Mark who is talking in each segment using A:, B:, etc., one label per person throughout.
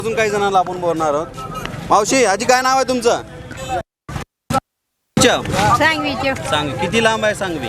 A: अजून काही जणांना आपण बोलणार आहोत. मावशी आजी काय नाव आहे तुमचं?
B: सांगवीचे
A: सांगवी किती लांब आहे सांगवी?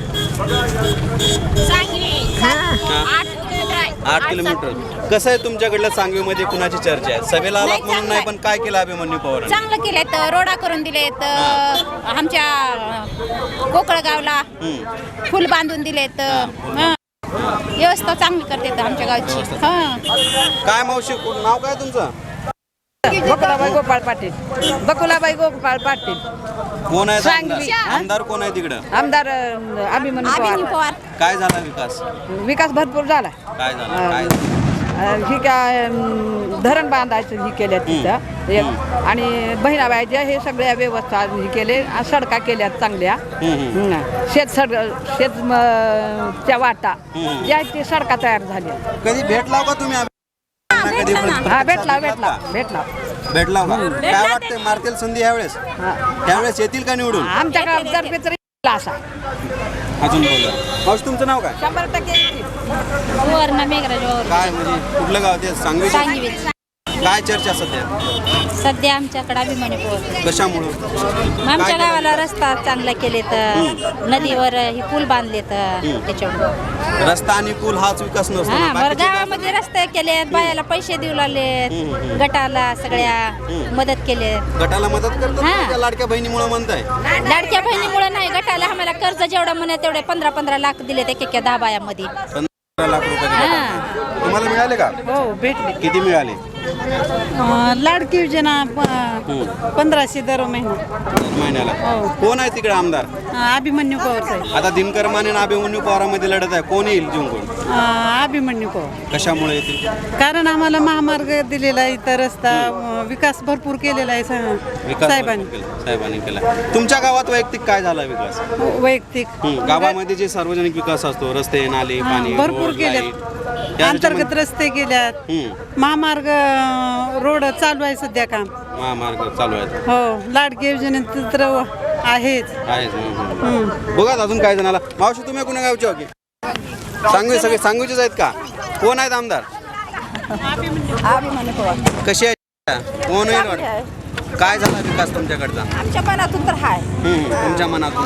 A: 8 किलोमीटर. कसं आहे तुमच्याकडलं सांगवीमध्ये कुणाची चर्चा आहे? सभेला आलात म्हणून नाही पण काय केलं अभिमन्यू पवार?
B: चांगलं केलेत, रोडा करून दिलेत, आमच्या कोकळगावला फुल बांधून दिलेत, व्यवस्था चांगली करतात आमच्या गावची.
A: काय मावशी नाव काय तुमचं?
C: बकुलाबाई गोपाळ पाटील. बकुलाबाई गोपाळ पाटील.
A: कोण आहे
C: सांगवी.
A: आमदार? आमदार कोण आहे तिकडं?
C: आमदार अभिमन्यू
B: पवार.
A: काय झाला विकास?
C: विकास भरपूर झाला.
A: काय झालं? काय
C: ही काय धरण बांधायचं ही केल्या तिथं एक. आणि बहिणाबाईच्या हे सगळ्या व्यवस्था ही केले, सडका केल्यात चांगल्या. शेतच्या वाटा या ते सडका तयार झाल्या.
A: कधी भेटला का तुम्ही? कधी
C: हा भेटला भेटला भेटला
A: भेटला का? काय वाटतंय मारतील संधी यावेळेस? त्यावेळेस येतील का निवडून?
C: आमच्या गावातर्फे तरी असा.
A: अजून बोला मावशी तुमचं नाव काय?
C: 100%
B: वर्ण मेघराज.
A: काय म्हणजे कुठलं गाव ते? सांगवी. काय चर्चा सध्या?
B: सध्या आमच्याकडे अभिमन्यू पवार.
A: कशामुळं?
B: आमच्या गावाला रस्ता चांगला केलेत, नदीवर ही पूल बांधलेत, त्याच्यामुळे
A: रस्ता आणि पूल हाच विकास नसतो ना.
B: बरं गावामध्ये रस्ते केलेत, बायाला पैसे देऊ लागलेत, गटाला सगळ्या मदत केले.
A: गटाला मदत करतात
B: हा.
A: का? त्या लाडक्या बहिणीमुळे म्हणताय?
B: लाडक्या बहिणीमुळे नाही, गटाला आम्हाला कर्ज जेवढं म्हणे तेवढे 15-15 लाख दिले ते 10 बायामध्ये.
A: 15 लाख रुपये तुम्हाला मिळाले का?
C: हो भेटले.
A: किती मिळाले?
C: लाडकी योजना 1500 दर महिना.
A: महिन्याला. कोण आहे तिकडे आमदार?
C: अभिमन्यू पवार साहेब.
A: आता दिनकर माने आणि अभिमन्यू पवारांमध्ये लढत आहे. कोण येईल जिंकून?
C: अभिमन्यू पवार.
A: कशामुळे येतील?
C: कारण आम्हाला महामार्ग दिलेला आहे, इथं रस्ता विकास भरपूर केलेला आहे
A: विकास
C: साहेबांनी.
A: साहेबांनी केला. तुमच्या गावात वैयक्तिक काय झाला विकास?
C: वैयक्तिक
A: गावामध्ये जे सार्वजनिक विकास असतो, रस्ते नाले पाणी
C: भरपूर
A: रोड,
C: केलेत.
A: लाईट,
C: अंतर्गत रस्ते केल्यात, महामार्ग रोड चालू आहे सध्या काम.
A: महामार्ग चालू आहेत.
C: हो लाडकी योजनेत तर आहेच.
A: बघा अजून काय जणाला. मावशी तुम्ही कुणा गावचे हो की? सांगवी. सगळे सांगवीचेच आहेत का? कोण आहेत आमदार?
B: अभिमन्यू पवार.
A: कशी आहे? कोण होईल वाटतं? काय झाला विकास तुमच्याकडचा?
B: आमच्या मनातून तर हाय.
A: तुमच्या मनातून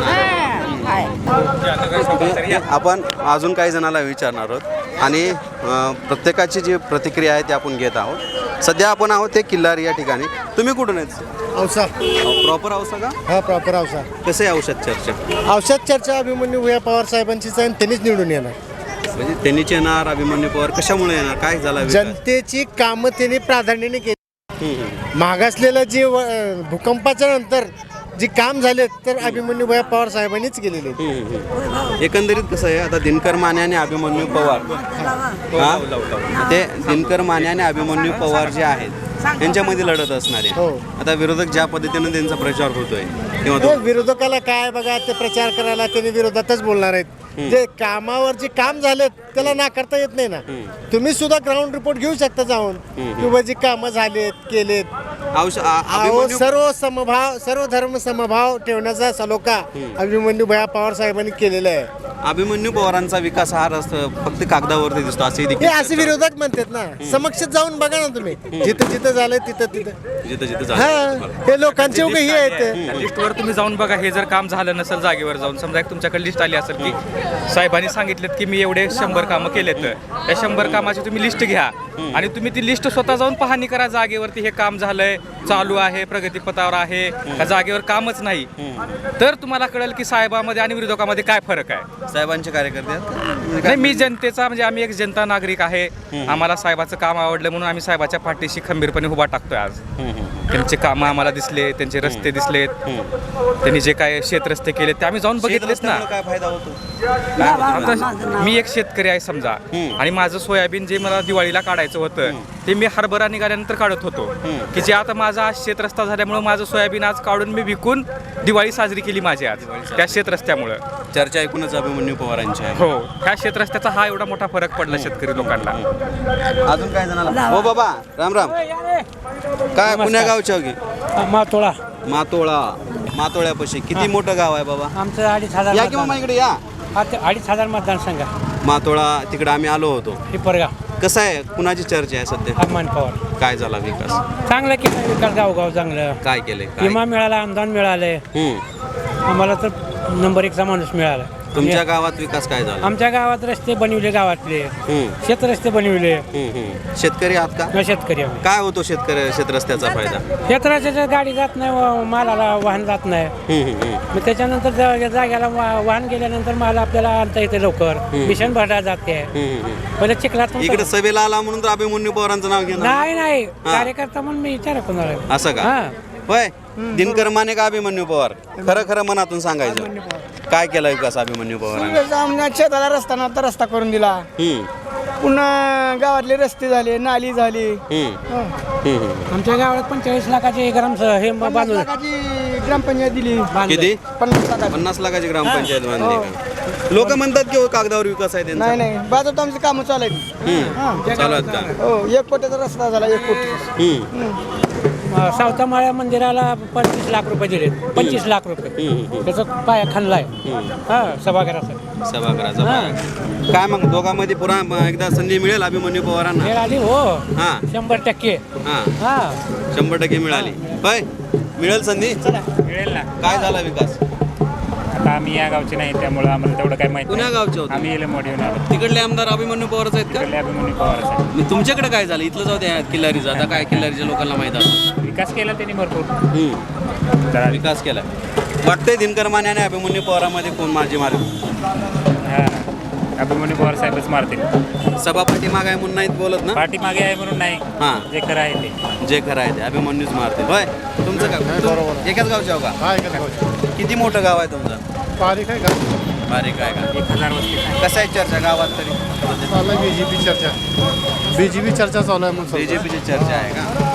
A: आपण अजून काही जणाला विचारणार आहोत आणि प्रत्येकाची जी प्रतिक्रिया आहे ती आपण घेत आहोत. सध्या आपण आहोत ते किल्लारी या ठिकाणी. तुम्ही कुठून आहेत?
D: औसा.
A: प्रॉपर औसा का?
D: हा प्रॉपर औसा.
A: कसं आहे औषध चर्चा?
D: औषध चर्चा अभिमन्यू भुया पवार साहेबांचीच आहे आणि त्यांनीच निवडून येणार.
A: म्हणजे त्यांनीच येणार? अभिमन्यू पवार कशामुळे येणार? काय झाला विकास?
D: जनतेची कामं त्यांनी प्राधान्याने केली. मागासलेलं जे भूकंपाच्या नंतर जी काम झाले तर अभिमन्यू भुया पवार साहेबांनीच केलेले.
A: एकंदरीत कसं आहे आता दिनकर माने आणि अभिमन्यू पवार ते दिनकर माने आणि अभिमन्यू पवार जे आहेत त्यांच्यामध्ये लढत असणार आहे. आता विरोधक ज्या पद्धतीने त्यांचा प्रचार होतोय तेव्हा
D: विरोधकाला काय बघा, ते प्रचार करायला त्यांनी विरोधातच बोलणार आहेत. जे कामावर जे काम झालेत त्याला नाकारता येत नाही ना. तुम्ही सुद्धा ग्राउंड रिपोर्ट घेऊ शकता जाऊन किंवा जी कामं झालेत केलेत. सर्व समभाव, सर्व धर्म समभाव ठेवण्याचा सलोखा अभिमन्यू भुया पवार साहेबांनी केलेला आहे.
A: अभिमन्यू पवारांचा विकास हा फक्त कागदावरती दिसतो
D: असे विरोधक म्हणतात ना. समक्ष जाऊन बघा ना तुम्ही, जिथं जिथं झालंय तिथं हे लोकांचे हे आहेत.
E: लिस्टवर तुम्ही जाऊन बघा. हे जर काम झालं नसेल जागेवर जाऊन, समजा एक तुमच्याकडे लिस्ट आली असेल की साहेबांनी सांगितलेत की मी एवढे 100 कामं केलेत, त्या 100 कामाची तुम्ही लिस्ट घ्या आणि तुम्ही ती लिस्ट स्वतः जाऊन पाहणी करा जागेवरती. हे काम झालंय, चालू आहे, प्रगतीपथावर आहे का जागेवर कामच नाही, तर तुम्हाला कळेल की साहेबांमध्ये आणि विरोधकामध्ये काय फरक आहे.
A: साहेबांचे कार्यकर्ते
E: नाही, मी जनतेचा म्हणजे आम्ही एक जनता नागरिक आहे. आम्हाला साहेबाचं काम आवडलं म्हणून आम्ही साहेबाच्या पाठीशी खंबीरपणे उभा टाकतोय आज. त्यांचे कामं आम्हाला दिसले, त्यांचे रस्ते दिसलेत, त्यांनी जे काय शेतरस्ते केले ते आम्ही जाऊन बघितलेच ना.
A: काय फायदा होतो?
E: मी एक शेतकरी आहे समजा आणि माझं सोयाबीन जे मला दिवाळीला काढायचं होतं ते मी हरभरा निघाल्यानंतर काढत होतो की जे आता माझा आज शेतरस्ता झाल्यामुळे माझं सोयाबीन आज काढून मी विकून दिवाळी साजरी केली माझी आज त्या शेतरस्त्यामुळं.
A: चर्चा ऐकूनच अभिमन्यू पवारांची आहे.
E: हो, ह्या शेतरस्त्याचा हा एवढा मोठा फरक पडला शेतकरी लोकांना.
A: अजून काय जणाला? हो बाबा राम राम. काय पुण्या गावच्या की?
F: मातोळा.
A: मातोळ्यापाशी किती मोठं गाव आहे बाबा?
F: आमचं 2,500
A: या किंवा इकडे या.
F: 2,500 मतदारसंघ.
A: मातोळा तिकडे आम्ही आलो होतो.
F: पिपरगाव.
A: कसं आहे, कुणाची चर्चा आहे सध्या?
F: अभिमान पवार
A: काय झाला विकास?
F: चांगलं केलं विकास गावगाव चांगलं
A: काय केले? काय?
F: विमा मिळाला अनुदान मिळाले आम्हाला तर नंबर 1चा माणूस मिळाला.
A: तुमच्या गावात विकास काय झाला?
F: आमच्या गावात रस्ते बनविले गावातले शेत रस्ते बनविले.
A: शेतकरी आहात का?
F: शेतकरी आम्ही
A: काय होतो शेतरस्त्याचा फायदा?
F: शेत रस्त्याच्या गाडी जात नाही मालाला वाहन जात नाही. मग त्याच्यानंतर जाग्याला वाहन गेल्यानंतर माल आपल्याला आणता येते लवकर. मिशन भरला जाते पहिले चिखलात
A: इकडे सभेला आला म्हणून तर अभिमन्यू पवारांचं नाव घेणार?
F: नाही कार्यकर्ता म्हणून मी विचार कोणाला.
A: असं का? होय. दिनकर माने का अभिमन्यू पवार? खरं खरं मनातून सांगायचं. काय केला विकास अभिमन्यू पवारांनी?
G: शेताला रस्ता तर रस्ता करून दिला. पुन्हा गावातले रस्ते झाले, नाली झाली.
F: आमच्या गावात 45 लाखाचे ग्राम हे बांधून
G: ग्रामपंचायत दिली.
A: किती?
G: 50
A: 50 लाखाची ग्रामपंचायत बांधली का? लोक म्हणतात की कागदावर विकास आहे त्यांचा.
G: नाही भाजप आमची कामं चालू आहेत.
A: चालू आहेत का?
G: हो 1 कोटीचा रस्ता झाला 1 कोटी.
F: सावता माळ्या मंदिराला 25 लाख रुपये दिले. 25 लाख रुपये त्याचा पाया खाणलाय सभागृहाचा.
A: सभागृहाचा पाया. काय मग दोघांमध्ये पुन्हा एकदा संधी मिळेल अभिमन्यू पवारांना?
F: मिळाली हो.
A: हा
F: 100%.
A: हा 100% मिळाली. होय, मिळेल संधी?
H: मिळेल ना.
A: काय झाला विकास?
H: आता आम्ही या गावचे नाही त्यामुळे आम्हाला तेवढं काय माहिती
A: पुण्या गावचे होते?
H: आम्ही येऊन आलो.
A: तिकडले आमदार अभिमन्यू पवारच आहेत का?
H: अभिमन्यू पवार
A: मग तुमच्याकडे काय झालं? इथलं जाऊ द्या किल्लारीचं. आता काय किल्लारीच्या लोकांना माहित असतं.
H: विकास केला त्यांनी भरपूर.
A: जरा विकास केला. वाटतंय दिनकर माने आणि अभिमन्यू पवारामध्ये कोण माझी मार्ग?
H: हा अभिमन्यू पवार साहेबच मारतील.
A: सभापती मागाय म्हणून नाहीत बोलत ना?
H: पाठीमागे आहे म्हणून नाही.
A: हां,
H: जे खरं आहे ते.
A: जे खरं आहे ते अभिमन्यूच मारते. होय. तुमचं काय एकाच गावचे हो का? किती मोठं गाव आहे तुमचं?
D: बारीक आहे का?
A: बारीक आहे का?
H: 1000 वस्ती.
A: कसं आहे चर्चा गावात तरी?
D: बीजेपी चर्चा चालू आहे.
A: बीजेपीची चर्चा आहे का?